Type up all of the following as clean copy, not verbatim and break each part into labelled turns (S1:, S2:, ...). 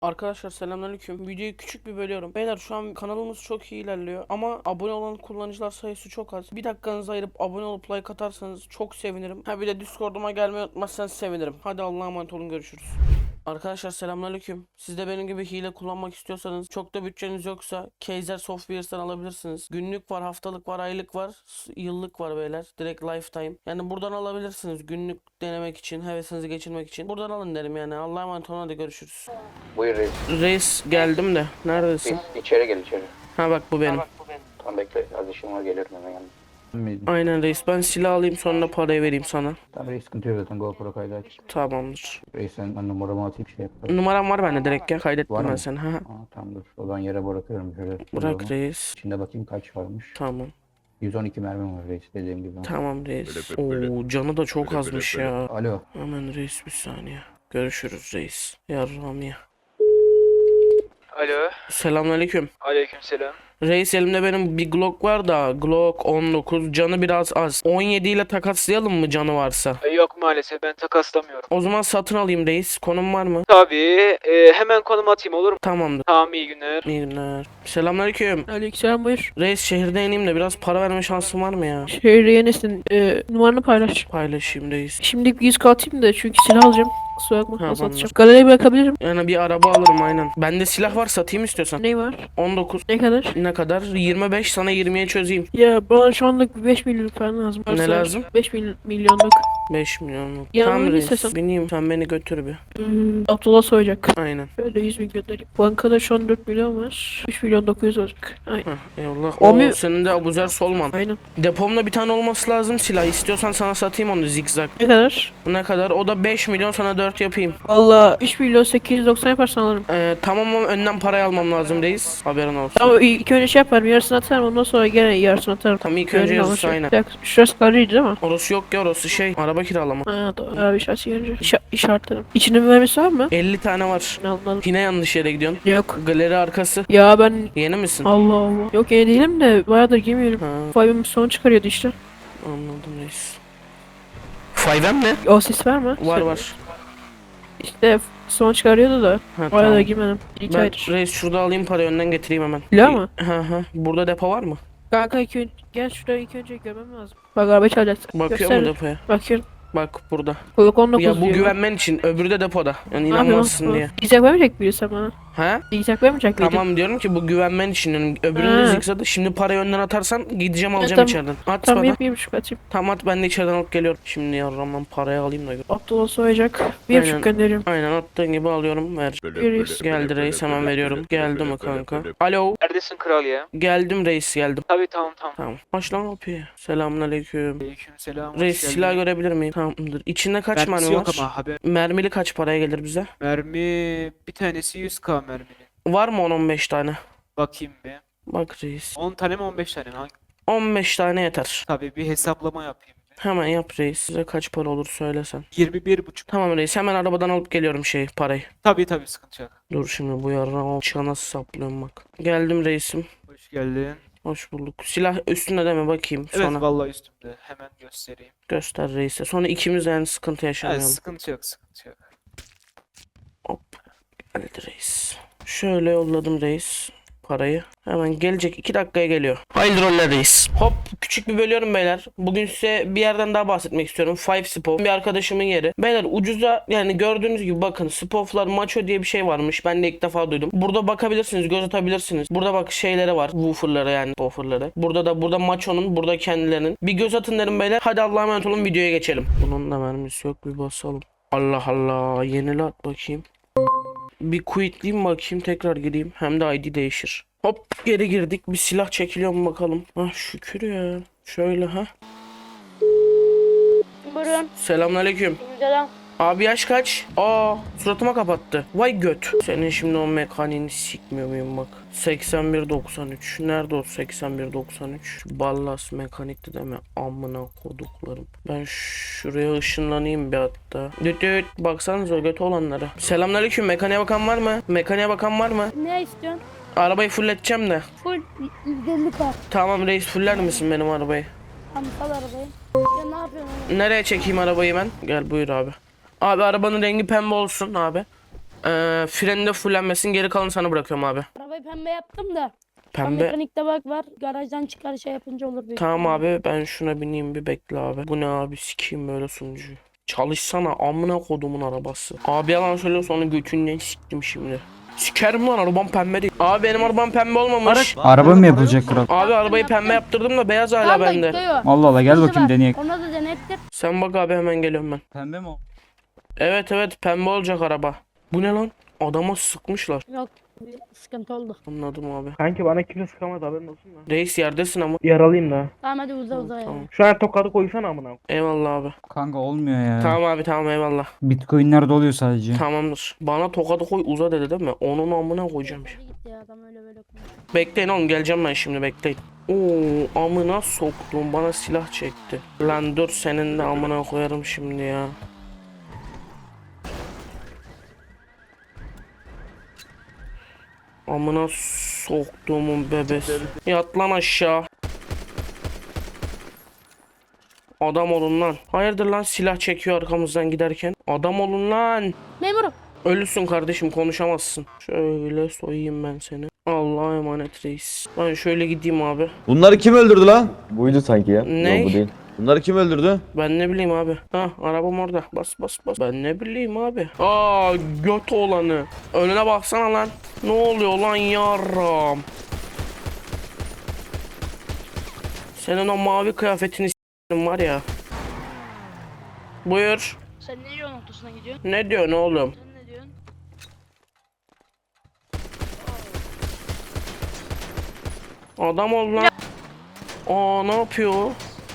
S1: Arkadaşlar selamünaleyküm. Videoyu küçük bir bölüyorum. Beyler şu an kanalımız çok iyi ilerliyor ama abone olan kullanıcılar sayısı çok az. Bir dakikanızı ayırıp abone olup like atarsanız çok sevinirim. Ha bir de Discord'uma gelmeyi unutmazsanız sevinirim. Hadi Allah'a emanet olun, görüşürüz. Arkadaşlar selamünaleyküm. Siz de benim gibi hile kullanmak istiyorsanız, çok da bütçeniz yoksa Kaiser Softwares'tan alabilirsiniz. Günlük var, haftalık var, aylık var, yıllık var beyler. Direkt lifetime. Yani buradan alabilirsiniz günlük denemek için, hevesinizi geçirmek için. Buradan alın derim yani. Allah'a emanet olun, hadi görüşürüz.
S2: Buyur reis.
S1: Reis geldim de. Neredesin?
S2: İçeri gel içeri.
S1: Ha bak bu benim.
S2: Tamam bekle, az işim var, geliyorum hemen yanına.
S1: Aynen reis, ben silah alayım sonra parayı vereyim sana.
S2: Tamam reis, sıkıntı yok zaten, GoPro kaydı aç.
S1: Tamamdır.
S2: Reis ben numaramı atayım şey yap.
S1: Numaram var bende direkt ya,
S2: Var
S1: kaydettim ben
S2: mı?
S1: seni. Ha.
S2: Tamam dur. O zaman yere bırakıyorum şöyle.
S1: Bırak reis.
S2: İçinde bakayım kaç varmış.
S1: Tamam.
S2: 112 mermim var reis, dediğim gibi.
S1: Tamam reis. Oo, canı da çok azmış ya.
S2: Alo.
S1: Hemen reis, bir saniye. Görüşürüz reis. Yarram ya.
S3: Alo.
S1: Selamünaleyküm.
S3: Aleykümselam.
S1: Reis, elimde benim bir Glock var da Glock 19, canı biraz az. 17 ile takaslayalım mı canı varsa?
S3: Yok maalesef, ben takaslamıyorum.
S1: O zaman satın alayım reis. Konum var mı?
S3: Tabii. Hemen konum atayım, olur mu?
S1: Tamamdır.
S3: Tamam, iyi günler.
S1: İyi günler. Selamünaleyküm.
S4: Aleykümselam, buyur.
S1: Reis, şehirde ineyim de biraz para verme şansın var mı ya?
S4: Şehirde yenisin. Numaranı paylaş.
S1: Paylaşayım reis.
S4: Şimdi bir 100 atayım da çünkü silah alacağım. Kusura bakma,
S1: Ha,
S4: nasıl
S1: tamamdır.
S4: atacağım. Galeriye bırakabilirim.
S1: Yani bir araba alırım aynen. Bende silah var, satayım istiyorsan.
S4: Ne var?
S1: 19.
S4: Ne kadar?
S1: Ne kadar? 25, sana 20'ye çözeyim.
S4: Ya bana şu anlık bir 5 milyonluk falan lazım.
S1: Ne lazım?
S4: 5 milyonluk.
S1: 5 milyonluk.
S4: Yanıma
S1: Tamam
S4: bin
S1: reis.
S4: istiyorsan.
S1: Bineyim, sen beni götür bir.
S4: Abdullah soyacak.
S1: Aynen.
S4: Şöyle 100 bin göndereyim. Bankada şu an 4 milyon var. 3 milyon 900 olacak. Aynen.
S1: Heh, eyvallah.
S4: O mu-
S1: Senin de Abuzer Solman.
S4: Aynen.
S1: Depomda bir tane olması lazım silah. İstiyorsan sana satayım onu, zigzag.
S4: Ne kadar?
S1: Ne kadar? O da 5 milyon, sana 4 yapayım.
S4: Valla 3 milyon 890 yaparsan alırım.
S1: Tamam ama önden parayı almam lazım reis. Haberin olsun.
S4: Ama ilk önce şey yaparım, yarısını atarım, ondan sonra gene yarısını atarım.
S1: Tamam, ilk önce
S4: Gönlüm
S1: yarısı,
S4: alışır.
S1: aynen.
S4: Bir dakika, şurası karıydı değil mi?
S1: Orası yok ya, orası şey, araba kiralama.
S4: Ha doğru. Abi şahsi gelince işaretlerim. İçinde mühendisi var mı?
S1: 50 tane var.
S4: Anladım.
S1: Yine yanlış yere gidiyorsun.
S4: Yok.
S1: Galeri arkası.
S4: Ya ben
S1: Yeni misin?
S4: Allah Allah. Yok yeni değilim de bayağıdır giymiyorum.
S1: Ha,
S4: Five'ım son çıkarıyordu işte.
S1: anladım reis. Faydan ne?
S4: O ses var mı?
S1: Var var.
S4: İşte son çıkarıyordu da.
S1: Ha,
S4: Bayağıdır
S1: tamam.
S4: giymedim. İki
S1: Ben
S4: aydır.
S1: reis şurada alayım parayı, önden getireyim hemen.
S4: Silah mı?
S1: Ha. Burada depo var mı?
S4: Kanka gel şuraya ilk önce görmem lazım. Bak araba çalacak.
S1: Bakıyor mu depoya?
S4: Bakıyorum.
S1: Bak burada.
S4: Kulak 19
S1: Ya bu
S4: diyor.
S1: güvenmen için, öbürü de depoda. Yani
S4: Ne yapıyorsun?
S1: inanmazsın diye.
S4: Diyecek vermeyecek birisi bana.
S1: Ha?
S4: Diyecek vermeyecek miydi?
S1: Tamam diyorum ki bu güvenmen için. Yani öbürünü de
S4: Ha.
S1: zigzag'ı. Şimdi parayı önden atarsan gideceğim, alacağım
S4: tamam.
S1: içeriden. At
S4: Tamam
S1: bana.
S4: yapayım şu kaçayım.
S1: Tamam at, ben de içeriden alıp geliyorum. Şimdi yarramdan parayı alayım da.
S4: Abdullah soyacak. Bir
S1: Aynen.
S4: buçuk gönderiyorum.
S1: Aynen, attığın gibi alıyorum, ver.
S4: Reis.
S1: Geldi reis, hemen veriyorum. Geldi mi kanka? Alo.
S3: Neredesin kral ya?
S1: Geldim reis, geldim.
S3: Tabii, tamam.
S1: Tamam. Aç lan kapıyı. Selamünaleyküm.
S3: Aleykümselam.
S1: Reis, silah görebilir miyim? Tamamdır. İçinde kaç mermi
S3: Mermisi yok
S1: var?
S3: ama haber.
S1: Mermili kaç paraya gelir bize?
S3: Mermi bir tanesi 100k mermili.
S1: Var mı 10-15 tane?
S3: Bakayım bir.
S1: Bak reis.
S3: 10 tane mi 15 tane mi?
S1: 15 tane yeter.
S3: Tabii bir hesaplama yapayım bir.
S1: Hemen yap reis. Size kaç para olur söylesen.
S3: 21,5.
S1: Tamam reis, hemen arabadan alıp geliyorum parayı.
S3: Tabii sıkıntı yok.
S1: Dur şimdi bu yarına o çığa nasıl saplıyorum bak. Geldim reisim.
S3: Hoş geldin.
S1: Hoş bulduk. Silah üstünde deme bakayım.
S3: Evet
S1: Sonra
S3: vallahi üstümde. Hemen göstereyim.
S1: göster reise. Sonra ikimiz yani sıkıntı
S3: Evet,
S1: yaşamayalım.
S3: sıkıntı yok.
S1: Hop. Geldi reis. Şöyle yolladım reis parayı. Hemen gelecek, 2 dakikaya geliyor. Hayırlı roller reis. Hop, küçük bir bölüyorum beyler. Bugün size bir yerden daha bahsetmek istiyorum. Five Spov. Bir arkadaşımın yeri. Beyler ucuza, yani gördüğünüz gibi bakın, Spov'lar Macho diye bir şey varmış. Ben de ilk defa duydum. Burada bakabilirsiniz, göz atabilirsiniz. Burada bak şeyleri var. Woofer'ları, yani woofer'ları. Burada Macho'nun, burada kendilerinin. Bir göz atın derim beyler. Hadi Allah'a emanet olun, videoya geçelim. Bunun da mermisi yok, bir basalım. Allah Allah, yenile at bakayım. Bir quitleyeyim bakayım, tekrar gireyim. Hem de ID değişir. Hop, geri girdik. Bir silah çekiliyor mu bakalım. Ah şükür ya. Şöyle ha.
S5: Buyurun.
S1: Selamünaleyküm.
S5: Selam.
S1: Abi yaş kaç? Aa, suratıma kapattı. Vay göt. Senin şimdi o mekaniğini sikmiyor muyum bak. 8193. Nerede o 8193? Ballas mekanikti deme. Amına koduklarım. Ben şuraya ışınlanayım bir hatta. Düt baksanıza o göt olanlara. Selamünaleyküm. Mekaniğe bakan var mı? Mekaniğe bakan var mı?
S5: Ne istiyorsun?
S1: Arabayı fulleteceğim de.
S5: Full 150 var.
S1: Tamam reis, fuller misin benim arabayı?
S5: Tamam, sal arabayı. Ya ne yapıyorsun oğlum?
S1: Nereye çekeyim arabayı ben? Gel buyur abi. Abi arabanın rengi pembe olsun abi. Freni de fullenmesin, geri kalanı sana bırakıyorum abi.
S5: Arabayı pembe yaptım da. Tam
S1: Pembe.
S5: mekanikte bak var. Garajdan çıkar şey yapınca olur büyük
S1: Tamam
S5: ihtimalle.
S1: abi, ben şuna bineyim bir, bekle abi. Bu ne abi, sikeyim böyle sunucuyu. Çalışsana amına kodumun arabası. Abi yalan söylüyorsa onu götünden siktim şimdi. Sikerim lan, arabam pembe değil. Abi benim arabam pembe olmamış.
S6: Araba mı yapılacak kral?
S1: Abi arabayı pembe yaptırdım da beyaz hala
S5: Tamam da
S1: bende.
S5: gidiyor.
S6: Allah Allah, gel
S5: Hızı
S6: bakayım
S5: var.
S6: deneyek.
S5: Ona da denettir.
S1: Sen bak abi, hemen geliyorum ben.
S6: Pembe mi o?
S1: Evet evet, pembe olacak araba. Bu ne lan? Adama sıkmışlar.
S5: Yok. Bir sıkıntı oldu.
S1: Anladım abi.
S7: Kanki bana kimse sıkamadı, haberin olsun da.
S1: Reis yerdesin ama.
S7: Yaralıyım da.
S5: Tamam hadi uza ya.
S1: Tamam.
S7: Şu an tokadı koysana amına.
S1: Eyvallah abi.
S6: Kanka olmuyor ya.
S1: Tamam abi, tamam, eyvallah.
S6: Bitcoin'ler oluyor sadece.
S1: Tamamdır. Bana tokadı koy uza dedi değil mi? Onun amına koyacağım.
S5: Hadi git ya, adam öyle böyle konuşuyor.
S1: Bekleyin oğlum, geleceğim ben şimdi, bekleyin. Oo, amına soktum, bana silah çekti. Lan dur, senin de amına koyarım şimdi ya. Amına soktuğumun bebesi. Yat lan aşağı. Adam olun lan. Hayırdır lan, silah çekiyor arkamızdan giderken. Adam olun lan.
S5: Memurum.
S1: Ölüsün kardeşim, konuşamazsın. Şöyle soyayım ben seni. Allah'a emanet reis. Ben şöyle gideyim abi.
S8: Bunları kim öldürdü lan?
S9: Buydu sanki ya.
S1: Ne?
S9: Yok, bu değil.
S8: Bunları kim öldürdü?
S1: Ben ne bileyim abi. Ha, arabam orada. Bas bas bas. Ben ne bileyim abi. Aa, göt olanı. Önüne baksana lan. Ne oluyor lan yarram? Senin o mavi kıyafetini s**tim var ya. Buyur.
S5: Sen ne yol noktasına gidiyorsun?
S1: Ne diyorsun oğlum?
S5: Sen ne diyorsun?
S1: Adam ol lan. Aa, ne yapıyor?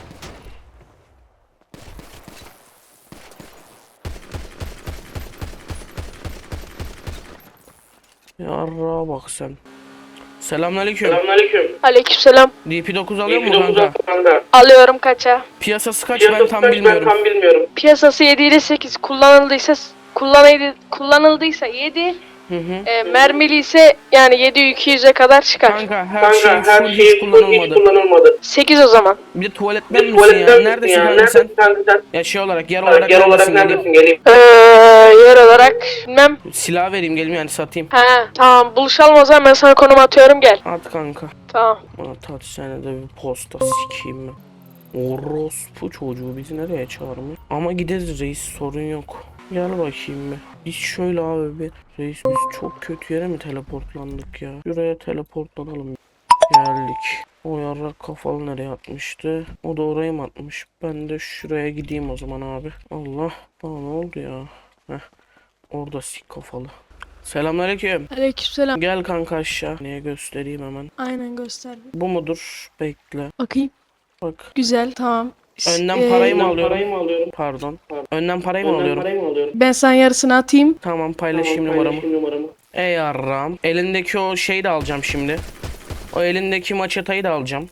S1: Yarra bak sen. Selamünaleyküm.
S4: Aleykümselam.
S1: DP9 alıyor mu kanka?
S4: Alıyorum kaça?
S1: Piyasası kaç, ben tam bilmiyorum.
S4: Piyasası 7 ile 8. Kullanıldıysa 7.
S1: Hı hı.
S4: Mermili ise yani 7-200'e kadar çıkar.
S1: Kanka her şey full, hiç kullanılmadı.
S4: 8 o zaman.
S1: Bir de tuvaletler misin ya? Neredesin kanka sen? Ya şey olarak, yer olarak neredesin, geleyim.
S4: Yer olarak bilmem.
S1: Silah vereyim, geleyim yani, satayım.
S4: He tamam, buluşalım o zaman, ben sana konum atıyorum, gel.
S1: At kanka.
S4: Tamam.
S1: At sene de bir posta sikeyim ben. Orospu çocuğu bizi nereye çağırmış? Ama gideriz reis, sorun yok. Gel bakayım bir. Biz şöyle abi bir. Reis biz çok kötü yere mi teleportlandık ya? Şuraya teleportlanalım. Geldik. O yarrak kafalı nereye atmıştı? O da oraya mı atmış? Ben de şuraya gideyim o zaman abi. Allah. Bana ne oldu ya? Heh. Orada sik kafalı. Selamünaleyküm.
S4: Aleykümselam.
S1: Gel kanka aşağı. Niye göstereyim hemen.
S4: Aynen, göster.
S1: Bu mudur? Bekle.
S4: Bakayım.
S1: Bak.
S4: Güzel, tamam.
S1: Önden parayı mı alıyorum? Pardon. Önden parayı mı alıyorum?
S4: Ben sana yarısını atayım.
S1: Tamam, paylaşayım numaramı. Ey yarram. Elindeki o şeyi de alacağım şimdi. O elindeki maçetayı da alacağım.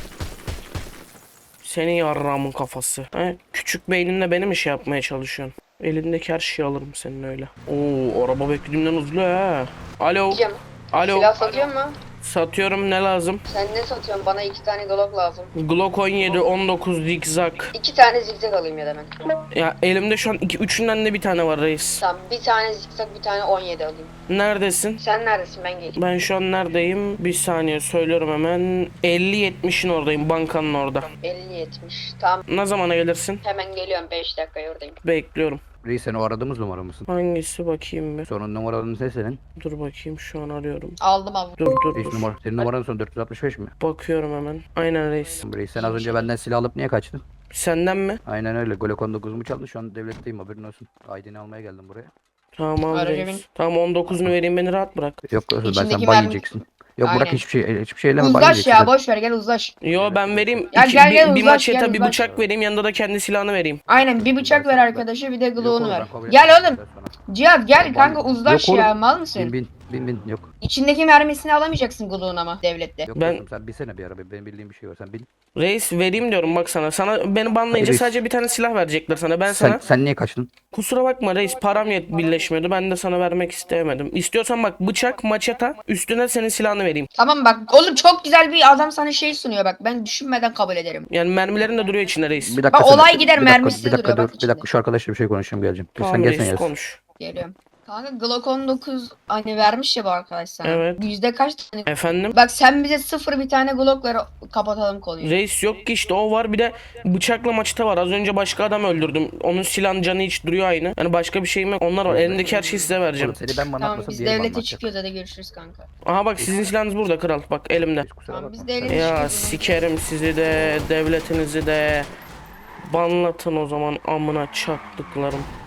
S1: Senin yarramın kafası. He? Küçük beyninle beni mi şey yapmaya çalışıyorsun? Elindeki her şeyi alırım senin öyle. Oo, araba beklediğimden hızlı ha. Alo. Alo.
S10: Silah satıyor mu?
S1: Satıyorum, ne lazım?
S10: Sen ne satıyorsun? Bana 2 tane Glock lazım.
S1: Glock 17 19 zigzag.
S10: 2 tane zigzag alayım ya da ben.
S1: Ya elimde şu an üçünden de bir tane var reis.
S10: Tamam, bir tane zigzag, bir tane 17 alayım.
S1: Neredesin?
S10: Sen neredesin, ben geleyim.
S1: Ben şu an neredeyim? Bir saniye söylüyorum hemen. 50-70'in oradayım, bankanın orada.
S10: 50-70. Tamam,
S1: Ne zamana gelirsin?
S10: hemen geliyorum, 5 dakika oradayım.
S1: Bekliyorum.
S2: Reis sen o aradığımız numara mısın?
S1: Hangisi bakayım bir.
S2: Sonun numaranın ne senin?
S1: Dur bakayım, şu an arıyorum.
S10: Aldım abi.
S1: Dur
S2: Reis numara. Senin numaranın sonu 465 mi?
S1: Bakıyorum hemen. Aynen reis.
S2: Reis sen az önce benden silah alıp niye kaçtın?
S1: Senden mi?
S2: Aynen öyle. Glock 19 mu çaldın? Şu an devletteyim, haberin olsun. ID'ni almaya geldim buraya.
S1: Tamam
S10: Aracı bin.
S1: reis. Tamam, 19'unu vereyim, beni rahat bırak.
S2: Yok ben
S10: İçindeki
S2: sen ban
S10: mermi-
S2: yiyeceksin. Yok bırak,
S10: Aynen.
S2: hiçbir şey eleme, ban
S10: Uzaş
S2: yiyeceksin.
S10: ya, boş ver, gel uzaş.
S1: Yo, ben vereyim.
S10: Ya
S1: İki-
S10: gel,
S1: bir,
S10: gel,
S1: bir
S10: uzaş,
S1: maçeta
S10: gel,
S1: bir
S10: uzaş.
S1: bıçak vereyim, yanında da kendi silahını vereyim.
S10: Aynen, bir bıçak ver arkadaşa, bir de
S2: Yok
S10: Glock'unu
S2: oğlum,
S10: ver.
S2: ben kabul
S10: Gel
S2: etmiyorum
S10: oğlum.
S2: sana.
S10: Cihat gel
S2: Yok
S10: kanka,
S2: oğlum.
S10: uzaş
S2: Yok
S10: ya,
S2: oğlum.
S10: mal mısın?
S2: Bin yok.
S10: İçindeki mermisini alamayacaksın Glock'un ama devlette.
S2: Yok
S1: Ben-
S2: dostum, sen binsene bir araba. Benim bildiğim bir şey var, sen bin.
S1: Reis vereyim diyorum bak sana. Sana beni banlayınca
S2: Reis.
S1: sadece bir tane silah verecekler sana. Ben sana
S2: Sen niye kaçtın?
S1: kusura bakma reis, param birleşmiyordu. Ben de sana vermek istemedim. İstiyorsan bak, bıçak, maçeta, üstüne senin silahını vereyim.
S10: Tamam bak oğlum, çok güzel bir adam sana şey sunuyor bak, ben düşünmeden kabul ederim.
S1: Yani mermilerin de duruyor içinde reis.
S2: Bir dakika.
S10: Bak,
S2: sen-
S10: olay gider,
S2: bir dakika,
S10: mermisi
S2: bir dakika
S10: duruyor
S2: dur.
S10: bak
S2: Bir
S10: içinde.
S2: dakika, şu arkadaşla bir şey konuşacağım, geleceğim.
S1: Tamam
S2: Sen gelsene
S1: reis,
S2: ya.
S1: konuş.
S10: Geliyorum. Kanka Glock 19 hani vermiş ya bu arkadaş sana.
S1: Evet.
S10: Yüzde kaç tane?
S1: Efendim?
S10: Bak sen bize 0 bir tane Glock ver kapatalım konuyu.
S1: Reis yok ki işte o var bir de bıçakla maçta var. Az önce başka adam öldürdüm. Onun silahın canı hiç duruyor aynı. Yani başka bir şeyim yok. Onlar var. Elimdeki her şeyi size vereceğim.
S2: Oğlum seni ben bana
S10: Tamam
S2: atmasam
S10: biz
S2: diğeri bana
S10: devlete
S2: atacak.
S10: çıkıyoruz, hadi görüşürüz kanka.
S1: Aha bak sizin silahınız burada kral. Bak elimde.
S2: Kusura
S10: Tamam
S2: bakma.
S10: biz devlete
S1: Ya
S10: çıkıyoruz.
S1: sikerim sizi de devletinizi de. Banlatın o zaman amına çaktıklarım.